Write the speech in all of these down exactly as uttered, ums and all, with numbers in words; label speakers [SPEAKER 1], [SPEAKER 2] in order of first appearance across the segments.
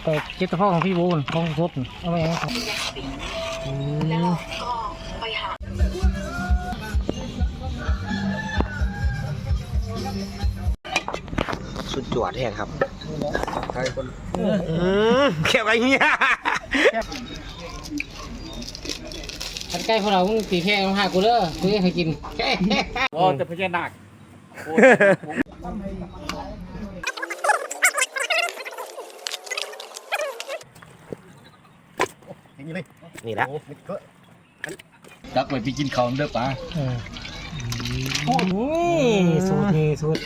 [SPEAKER 1] แต่เจ็ดตะพ่อของพี่บูนของสดเอาไปยังไงครับ
[SPEAKER 2] สุดยอดแท้ครับใครคนแค่ไรเงี้ย
[SPEAKER 1] ขันใกล้พวกเรามึงตีแค่ต้องหากูเด้อกูจะให้กินแค่โอ้แต่พญานาค
[SPEAKER 2] นี่ละ
[SPEAKER 3] ดักไว้พี่กินข้าวเด้อป้า
[SPEAKER 1] โอ้ยสูตรนี่สูตร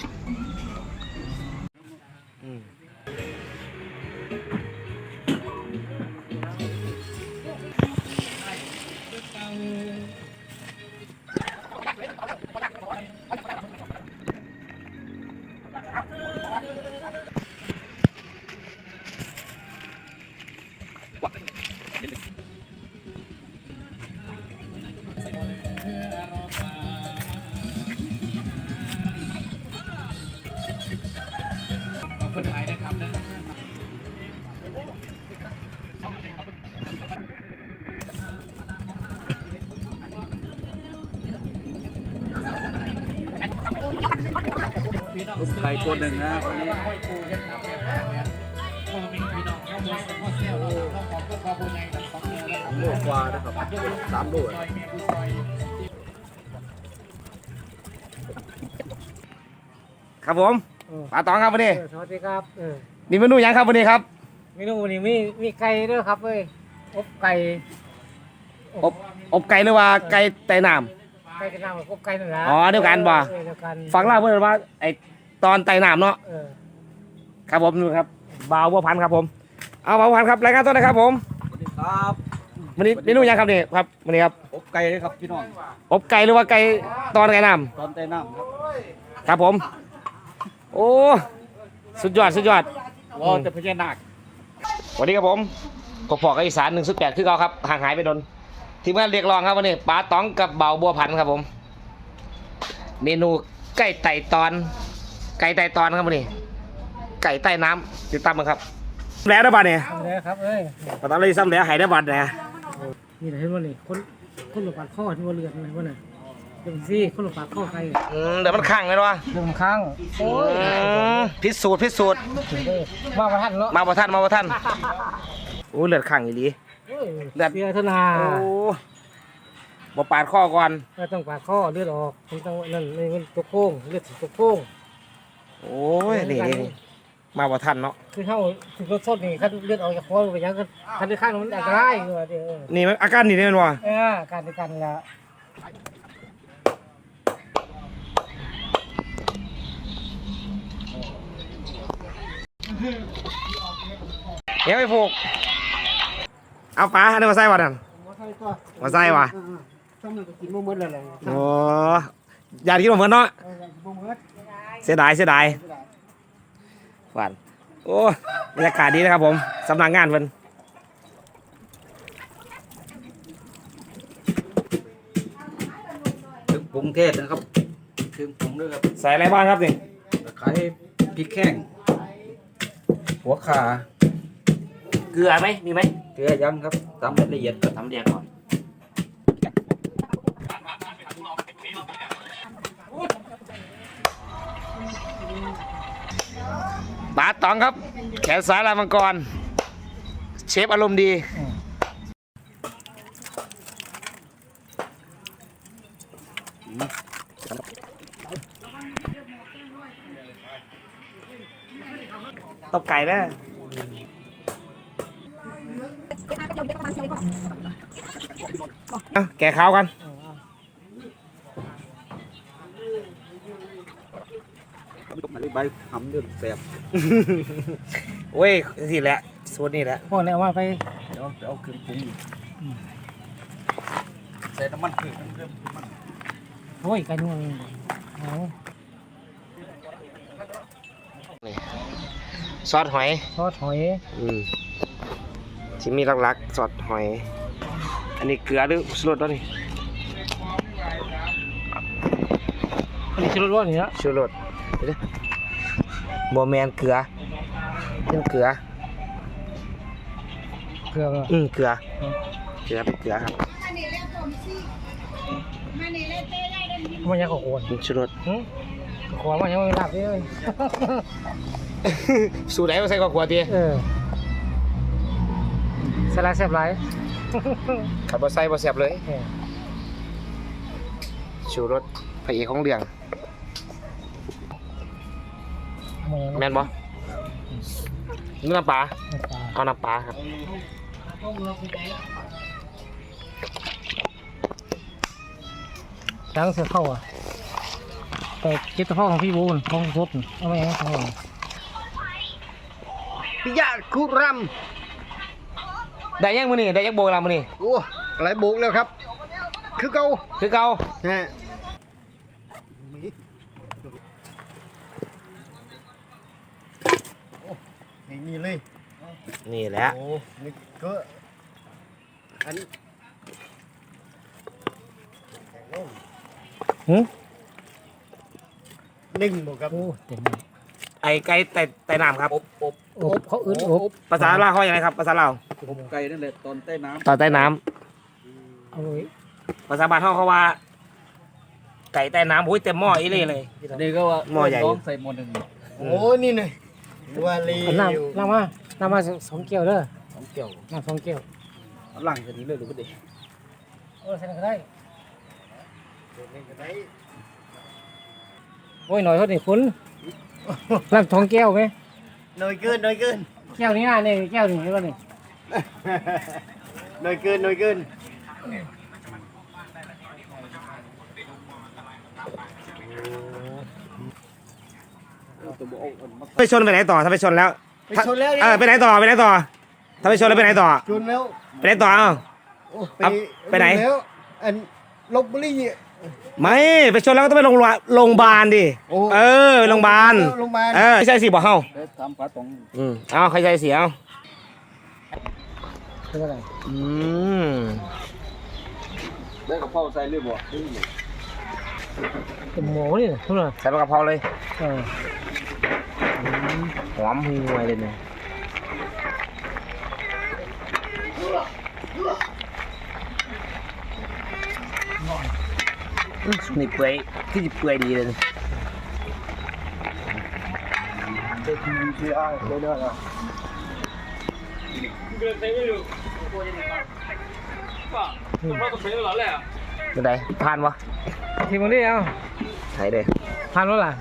[SPEAKER 3] คนไทยนะครับนะใครคนหนึ่งนะคนนี้โลกกว่านะครับสามโล
[SPEAKER 2] ครับผมปลาตองครับวันนี้
[SPEAKER 1] สวัสดีครับ
[SPEAKER 2] มีเมนูยังครับวันนี้ครับ
[SPEAKER 1] เมนูวันนี้มีมีไก่ด้วยครับเว้ยอบไก่
[SPEAKER 2] อบอบไก่หรือว่าไก่ไต่น้
[SPEAKER 1] ำไก่กับน้ำอบไก่นั่นแหละ
[SPEAKER 2] อ๋อเดียวกันบ่ฟังเล่าเพื่อนว่าไอตอนไต่น้ำเนาะครับผมนู่นครับบ่าวบัวพันครับผมเอาบ่าวบัวพันครับรายงานตัวนะครับผม
[SPEAKER 3] สวัสดีครับ
[SPEAKER 2] วันนี้เมนูยังครับนี่ครับวันนี้ครับ
[SPEAKER 3] อบไก่เลยครับพี่น้อง
[SPEAKER 2] อบไก่หรือว่าไก่ตอนไก่น้ำ
[SPEAKER 3] ตอนไต่น้ำครับ
[SPEAKER 2] ครับผมโอ้สุดยอดสุดยอด
[SPEAKER 3] ว้าวแต่พญานาค
[SPEAKER 2] วันนี้ครับผมกบพอกอีสานหนึ่งสุดแปดคือเขาครับห่างหายไปโดนทีมงานเรียกร้องครับวันนี้ปลาตองกับเบาบัวพันครับผมเมนูไก่ไต่ตอนไก่ไต่ตอนครับวันนี้ไก่ใต้น้ำติดตามมาครับแล้วได้บัตรเนี่ย
[SPEAKER 1] แล้วครับเอ้ย
[SPEAKER 2] ปลาตองเลยซ้ำแล้วหายได้บัตรเนี่ย
[SPEAKER 1] นี่ไหนเห็นว่านี่คนคนหลบปากข้อที่ว่าเลือดอะไรวะเนี่ยเดี๋ยวสิคนหลบปากข้อใคร
[SPEAKER 2] อืมเดี๋ยวมันข้างเลยวะ
[SPEAKER 1] เดี๋ยวมันข้างโอ้ย
[SPEAKER 2] พิสูจน์พิสูจน์
[SPEAKER 1] มาประทันเนาะ
[SPEAKER 2] มาประทันมาประทันโอ้เลือดข้างอีหลี
[SPEAKER 1] เลือดเสียธนา
[SPEAKER 2] โอ้บ่ปาดข้อก่อน
[SPEAKER 1] ไม่ต้องปาดข้อเลือดออกมันต้องนั่นมันตัวโค้งเลือดตัวโค้ง
[SPEAKER 2] โอ้ยนี่มาประทันเนาะ
[SPEAKER 1] คือเข้าถึงรถสดนี่คันเลือดออกจากคอไปยังคันที่ข้างมันอันตรายอยู่เดี๋ยว
[SPEAKER 2] นี่มันอาการนี่เนี่ยว่ะ
[SPEAKER 1] เออการในการละ
[SPEAKER 2] เดี๋ยวไปผูกเอาปลาให้มาใส่วะนั่นมาใส่วะโอ้ยากินมาเหมือนเนาะเสียดายเสียดายหวานโอ้บรรยากาศดีนะครับผมสำนักงานเพิ่น
[SPEAKER 3] ถึงปรุงเทศนะครับถึงปรุงด้วยครับ
[SPEAKER 2] ใส่อะไรบ้างครับนี่
[SPEAKER 3] ตะไคร้พริกแข้งหัวข่า
[SPEAKER 2] เกลือไหมมีไหม
[SPEAKER 3] เกลือยังครับทำละเอียด
[SPEAKER 2] ทำละเอียดก่อนปลาตองครับแขนซ้ายลายมังกรเชฟอารมณ์ดีตบไก่นะแกะข้าวกัน
[SPEAKER 3] ใบหำเดือดแสบ
[SPEAKER 2] โอ้ยสิแหละสูตรนี่แหละ
[SPEAKER 1] พวกนี้ว่าไป
[SPEAKER 3] เดี๋ยวเอาเครื่องปรุงใส่น้ำมันพืชเริ่มมัน
[SPEAKER 1] โอ้ยกันนู่น
[SPEAKER 2] ซอสหอย
[SPEAKER 1] ซอสหอย
[SPEAKER 2] อืมที่มีหลักๆซอสหอยอันนี้เกลือหรือชูรสด้วยนี่
[SPEAKER 1] อันนี้ชูรสว่านี่นะ
[SPEAKER 2] ชูรสโบแมนเกลือเป็นเกลือ
[SPEAKER 1] เกลือ
[SPEAKER 2] อืมเกลือเกลือเป็นเกลือครับ
[SPEAKER 1] มันยังขอควร
[SPEAKER 2] ชูรส
[SPEAKER 1] ขอมันยังไม่หลับเลย
[SPEAKER 2] สูตรไหนมาใส่กว่าขวดดี
[SPEAKER 1] เออสลายแซ่บไร
[SPEAKER 2] ขับรถใส่บะเสียบเลยชูรสพระเอกของเรื่องแม่นบ่นี่น้ำปลาเอาน้ำปลาครับ
[SPEAKER 1] ช้างเสือเข้าอ่ะแต่เจ็ดตะข้อของพี่บูนของสดเอาไปให้เขา
[SPEAKER 3] ปิยะคุรัม
[SPEAKER 2] ได้ยังมื้อนี้ได้ยังโบกแล้วมื้อนี้
[SPEAKER 3] โอ้หลายโบกแล้วครับ คือเก่า
[SPEAKER 2] คือเก่า
[SPEAKER 3] ฮะนี่นี่เลย
[SPEAKER 2] นี่แหละ
[SPEAKER 3] โอ้นี่ก็อัน
[SPEAKER 1] หืม
[SPEAKER 3] หนึ่งบอกครับ
[SPEAKER 1] โอ้เต็ม
[SPEAKER 2] ไอ้ไก่ไต่ไต่น้ำครับ
[SPEAKER 3] อบอบ
[SPEAKER 1] อบเขาอึดอบ
[SPEAKER 2] ภาษาลาวเขาอย่างไรครับภาษาลาว
[SPEAKER 3] อบไก่นั่นแหละตอนใต้น้
[SPEAKER 2] ตอนใต้น้ำ
[SPEAKER 1] เอาไว้
[SPEAKER 2] ภาษาบ้านเขาเขาว่า ไก่ใต้น้ำโอ้ยเต็มหม้ออีเลยเลย
[SPEAKER 3] ำนี่ก็ว่า
[SPEAKER 2] หม้อใหญ่
[SPEAKER 3] น้องใส่หม้อหนึ่งโอ้นี่เลยว่าลี
[SPEAKER 1] เอาน้ำน้ำมาน้ำมาสองเกี๊ยวเด้อ
[SPEAKER 3] สองเกี่ยว
[SPEAKER 1] น้ำสองเกี๊ยว
[SPEAKER 3] หลังจากนี้เลยหรือเปล่าเด็ก
[SPEAKER 1] เออใส่ก็ได้โอ้ยหน่อยเท่านี้คุณน้ำสองแก้วไหม
[SPEAKER 3] น้อยเกินน้อยเกิน
[SPEAKER 1] แก้วนี้นะนี่แก้วหนึ่งใช่ป่ะนี่
[SPEAKER 3] น้อยเกินน้อยเกิน
[SPEAKER 2] ไปชนไปไหนต่อถ้าไปชนแล้ว
[SPEAKER 3] ไปชนแล้ว
[SPEAKER 2] เออไปไหนต่อไปไหนต่อถ้าไปชนแล้วไปไหนต่อ
[SPEAKER 3] ชนแล้ว
[SPEAKER 2] ไปไหนต่อเอ้า
[SPEAKER 3] โอ้
[SPEAKER 2] เอาไปไหน
[SPEAKER 3] แล้วอันลบบุรี
[SPEAKER 2] ไม่ไปชนแล้วก็ต้องไปโรงพยาบาลโรงพยาบาลดิ
[SPEAKER 3] โอ้
[SPEAKER 2] เออไปโรงพยาบาล
[SPEAKER 3] โรงพยาบาล
[SPEAKER 2] เออไม่ใช่สิบอกเฮา
[SPEAKER 3] ทำปลาตอง
[SPEAKER 2] อืมเอาใครใจเสียเอา
[SPEAKER 1] เป็นอะไร
[SPEAKER 2] อืม
[SPEAKER 3] ได้กับพ่อใส่เรื่อยบ่
[SPEAKER 1] เป็นหมูนี่ทุกคน
[SPEAKER 2] ใส่ปลากระเพราเลย
[SPEAKER 1] เออ
[SPEAKER 2] หอมห่วยเลยเนี่ยอืมนี่เปื่อยที่จะเปื่อยดีเลยเนี่ย
[SPEAKER 3] เจ็ดโมงที่อ้ายได้ได้แล้ว
[SPEAKER 2] เป็นไงผ่านวะ
[SPEAKER 1] ทีมันนี่เอา
[SPEAKER 2] ใช่เลย
[SPEAKER 1] ทานแล้วล่ะ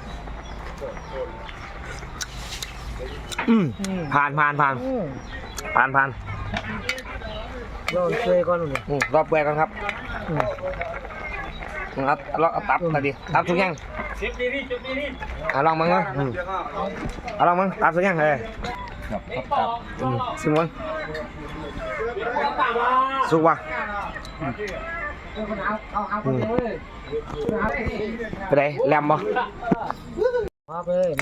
[SPEAKER 2] อืม
[SPEAKER 1] อืม
[SPEAKER 2] ผ่านผ่านผ่าน
[SPEAKER 1] อืม
[SPEAKER 2] ผ่านผ่าน
[SPEAKER 1] เราเคยก่อนเลย
[SPEAKER 2] อืมรอบเปื่อยกันครับ
[SPEAKER 1] อืม
[SPEAKER 2] อืมเอาเอาเอาตับมาดิตับทุกอย่างเอาลองมั้งเนาะอืมเอาลองมั้งตับทุกอย่างเลย
[SPEAKER 3] ครับครับครับ
[SPEAKER 2] อืมสิมั้งสุกวะ
[SPEAKER 1] เอาเอาเอาไปเลยเอาไปเลย
[SPEAKER 2] ไปไหนแลมบ่
[SPEAKER 1] เอาไปเลยนี่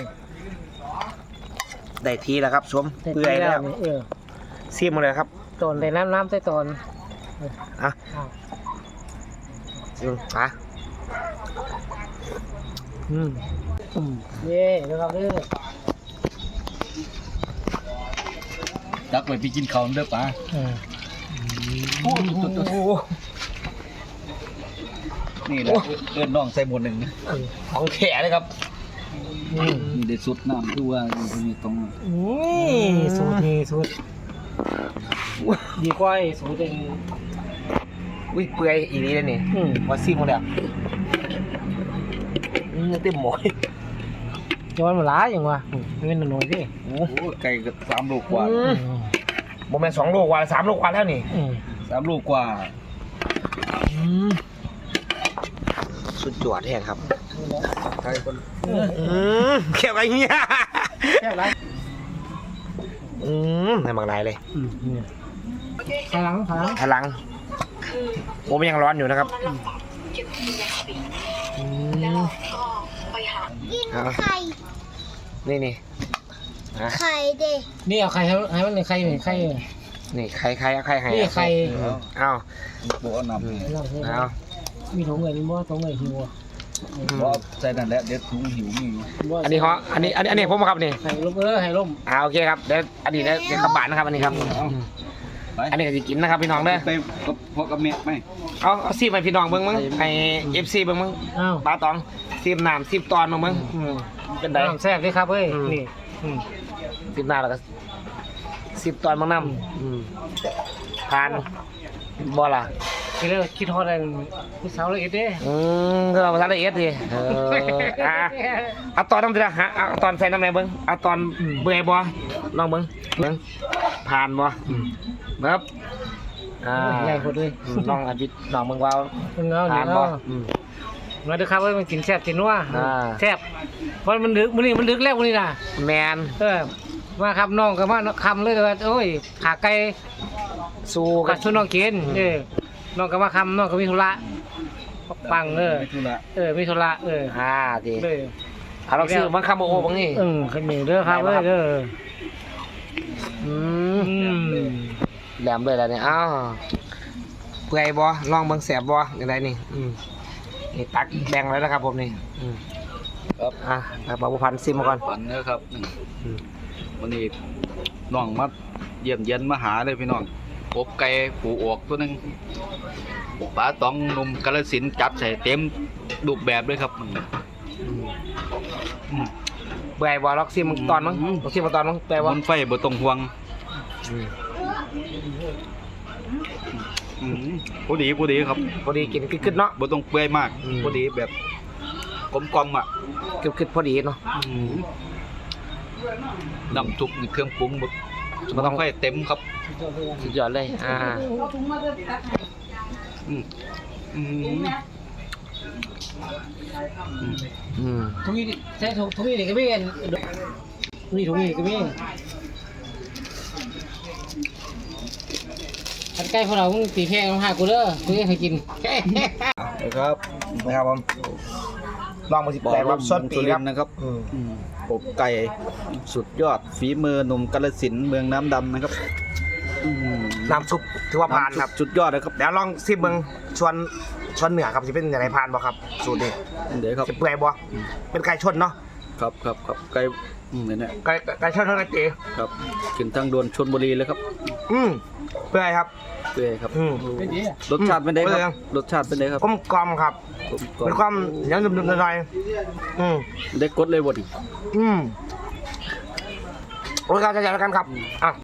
[SPEAKER 2] ได้ทีแล้วครับชมเปื่อยแล้ว
[SPEAKER 1] เออ
[SPEAKER 2] ซีมมาเลยครับ
[SPEAKER 1] ตอนในน้ำน้ำใต้ตอน
[SPEAKER 2] อ่ะ
[SPEAKER 1] อ้าว
[SPEAKER 2] อืมอ่ะอืม
[SPEAKER 1] อืมเย่เดี๋ยวครับเด้อ
[SPEAKER 3] ดักไปพี่กินข้าวเด้อป้า
[SPEAKER 1] เออ
[SPEAKER 2] โอ้โห
[SPEAKER 3] นี่แหละเอิ้นน้องใส่หม้อหนึ่งนะ
[SPEAKER 2] ของแขเลยครับ
[SPEAKER 1] อืม
[SPEAKER 3] นี่ได้สุดน้ำคือว่าอยู่ตรงนี้
[SPEAKER 1] นี่สูตรนี่สูตรดีกว่าไอ้สูตรเป็น
[SPEAKER 2] อุ้ยเปื่อยอีนี้เลยนี่
[SPEAKER 1] อืม
[SPEAKER 2] ว่าซีมมาเลยอ่ะอืมเต็มหมอย
[SPEAKER 1] ย้อนมาล้าอย่างวะอืมไม่เป็นหน่อยดิ
[SPEAKER 3] โอ้โหไก่ก็สามโลกว่า
[SPEAKER 2] อืมโมเมนสองโลกว่าสามโลกว่าแล้วนี่
[SPEAKER 1] อืม
[SPEAKER 3] สามโลกว่า
[SPEAKER 2] อืมสุดยอดแท้ครับ
[SPEAKER 3] ไก่คน
[SPEAKER 2] อืมเขียวอะไรเงี้ย
[SPEAKER 1] แค่ไร
[SPEAKER 2] อืมให้มักลายเลย
[SPEAKER 1] อืมนี่ขลังขลัง
[SPEAKER 2] พลังโมมันยังร้อนอยู่นะครับอืมเอา
[SPEAKER 4] ไข่
[SPEAKER 2] นี่นี่นะ
[SPEAKER 4] ไข่เด็ก
[SPEAKER 1] นี่เอาไข่ให้ให้มันไข่หนึ่งไข่
[SPEAKER 2] นี่ใครใครเอาใครให้
[SPEAKER 1] นี่ไข่
[SPEAKER 2] อืมเอา
[SPEAKER 3] โบเอาน้ำนี่
[SPEAKER 1] เราใช่ไหม
[SPEAKER 2] เอา
[SPEAKER 1] มีถุงเงินมีบ่ถุงเงินหิวอ่ะ
[SPEAKER 3] เพราะใส่นั่นแหละเดี๋ยวถุงหิวมีอยู่
[SPEAKER 2] อันนี้เขาอันนี้อันนี้อันนี้ผมครับนี่
[SPEAKER 1] ไข่ล้มเออไข่ล้ม
[SPEAKER 2] อ่าโอเคครับเดี๋ยวอันนี้เดี๋ยวเดี๋ยวกระบาดนะครับอันนี้ครับ
[SPEAKER 3] เอา
[SPEAKER 2] อันนี้ก็สิกินนะครับพี่น้องเด้อ
[SPEAKER 3] ไปกับพ่อกับแม่ไหม
[SPEAKER 2] เอาเอาซีมไปพี่น้องเบิ่งมั้งไอเอฟซีเบิ่งมั้ง
[SPEAKER 1] อ้าว
[SPEAKER 2] ปลาตองซีมน้ำซีมตอนมั้งมั้งอืมเป็นไง
[SPEAKER 1] น้ำแซ่บเลยครับเฮ้ย
[SPEAKER 2] อืม
[SPEAKER 1] นี่อืม
[SPEAKER 2] ซีมน้ำแล้วก็ซีมตอนมั้งน้ำอืมทานบ่ล่ะ
[SPEAKER 1] คิดแล้วคิดฮอดอะไรผู้สาวละเอียดเด้
[SPEAKER 2] อืมก็เอาภาษาละเอียดดิเอออ่ะเอาตอนน้ำเดือดฮะเอาตอนใส่น้ำไหนเบิ้งเอาตอนเบื่อบ่ลองเบิ้งเบิ้งผ่านบ่เบิ้บอ่า
[SPEAKER 1] ใหญ่โคตรเลย
[SPEAKER 2] อืมลองอภิษลองเบิ้งว่า
[SPEAKER 1] เพิ่งเอา
[SPEAKER 2] ผ่า
[SPEAKER 1] เนี่
[SPEAKER 2] น
[SPEAKER 1] ย
[SPEAKER 2] บ่
[SPEAKER 1] เอา
[SPEAKER 2] อืม
[SPEAKER 1] มาเด้อครับเฮ้ยมันกินแซ่บกินนัว
[SPEAKER 2] อ่า
[SPEAKER 1] แซ่บเพราะมันดึกมื้อนี้มันดึกแล้วมื้อนี้น่ะ
[SPEAKER 2] แมน
[SPEAKER 1] เออมาครับน้องก็มาคำเลยว่าโอ้ยขาไก่
[SPEAKER 2] สู้
[SPEAKER 1] กั
[SPEAKER 2] กับ น
[SPEAKER 1] ชุนน้องกินเออน้องก็มาคำน้องก็มีธุระปังเออ
[SPEAKER 3] ไม่ธุระ
[SPEAKER 1] เออมีธุระเออ
[SPEAKER 2] อ่าดี
[SPEAKER 1] เลย
[SPEAKER 2] เอาลองซื้อบังคับโอ้โหบังนี่
[SPEAKER 1] เออขึ้นนี่เด้อครับเอ้ยเด้อ
[SPEAKER 2] อื
[SPEAKER 1] อื
[SPEAKER 2] ม
[SPEAKER 1] ม
[SPEAKER 2] แหลมเลยแล้วเนี่ยอ้าวเปื่อยบ่ลองเบิ่งแสบบ่อย่างไรนี่อืมนี่ตักแบ่งแล้วนะครับผมนี่อืม
[SPEAKER 3] ครับ
[SPEAKER 2] อ่ะเอาปลาบุพันซิมมาก่อน
[SPEAKER 3] ฝันนะครับ
[SPEAKER 2] อืม
[SPEAKER 3] วันนี้น้องมาเยี่ยมเยียนมาหาเลยพี่น้องกบไก่ปูออกตัวหนึงปลาตองหนุ่มกาฬสินธุ์จัดใส่เต็มรูปแบบเลยครับมันอืม
[SPEAKER 2] เปื่อยบ่ล็อกซิมตอนมั้ง
[SPEAKER 3] อืม
[SPEAKER 2] ล็อกซิมมาตอนมั้งเปื่อยบ่
[SPEAKER 3] บนไฟบ่ต้องห่วง
[SPEAKER 2] อืม
[SPEAKER 3] อืมพอดีพอดีครับ
[SPEAKER 2] พอดีกินกึดๆเนาะ
[SPEAKER 3] บ่ต้องเปื่อยมาก
[SPEAKER 2] อืม
[SPEAKER 3] พอดีแบบกลมกลมๆอ่ะ
[SPEAKER 2] กึดๆพอดีเนาะ
[SPEAKER 3] น้ำซุปนี่เครื่องปรุงบ่
[SPEAKER 2] บ่ต้อง
[SPEAKER 3] ไฟเต็มครับ
[SPEAKER 2] สุดยอดเลยอ่า
[SPEAKER 3] อืมอืมอืม
[SPEAKER 2] อืม
[SPEAKER 1] ทุกนี้ใช่ทุกทุกนี้ก็มีอันนี่ทุกนี้ก็มีผัดไก่พวกเรามึงตีแพงมาหากูเด้อกูจะให้กิน
[SPEAKER 3] ครับ
[SPEAKER 2] นะครับผมลองมาสิ
[SPEAKER 3] บอก
[SPEAKER 2] แปล
[SPEAKER 3] ว่า
[SPEAKER 2] ว่า
[SPEAKER 3] ส
[SPEAKER 2] ส้
[SPEAKER 3] ด
[SPEAKER 2] น
[SPEAKER 3] ปี
[SPEAKER 2] ปีครับ
[SPEAKER 3] นะครับ
[SPEAKER 2] อืม
[SPEAKER 3] อืมอบไก่สุดยอดฝีมือหนุ่มกาฬสินธุ์เมืองน้ำดำนะครับอืม
[SPEAKER 2] น้ำซุปถือว่าผ่านครับ
[SPEAKER 3] สุดยอดเลยครับ
[SPEAKER 2] เดี๋ยวลองซิมเบิ่งชวนชวนเหนือครับสิเป็นอย่างไรผ่านบ่ครับสูตรนี้
[SPEAKER 3] เดี๋ยวครับ
[SPEAKER 2] สิเปื่อยบ่เป็นไก่ชนเนาะ
[SPEAKER 3] ครับครับครับไก่อืมเนี่ยเนี่ย
[SPEAKER 2] ไก่ไก่ชนเท่านั้นเอง
[SPEAKER 3] ครับขึ้นทางด่วนชลบุรีเลยครับ
[SPEAKER 2] อืมเปื่อยครับ
[SPEAKER 3] เปื่อยครับ
[SPEAKER 2] อืม
[SPEAKER 3] รสชาติเป็นไงค
[SPEAKER 2] เปื่
[SPEAKER 3] รั
[SPEAKER 2] อย
[SPEAKER 3] บรสชาติเป็นไงครับ
[SPEAKER 2] กลมกล่อมครับ
[SPEAKER 3] ผมก็
[SPEAKER 2] เป็นความเหนียวนุ่มๆหน่อยๆอืม
[SPEAKER 3] ได้กดเลยบ่ดิ
[SPEAKER 2] อืมโอ้ยครับจะจัดกันครับอ่ะ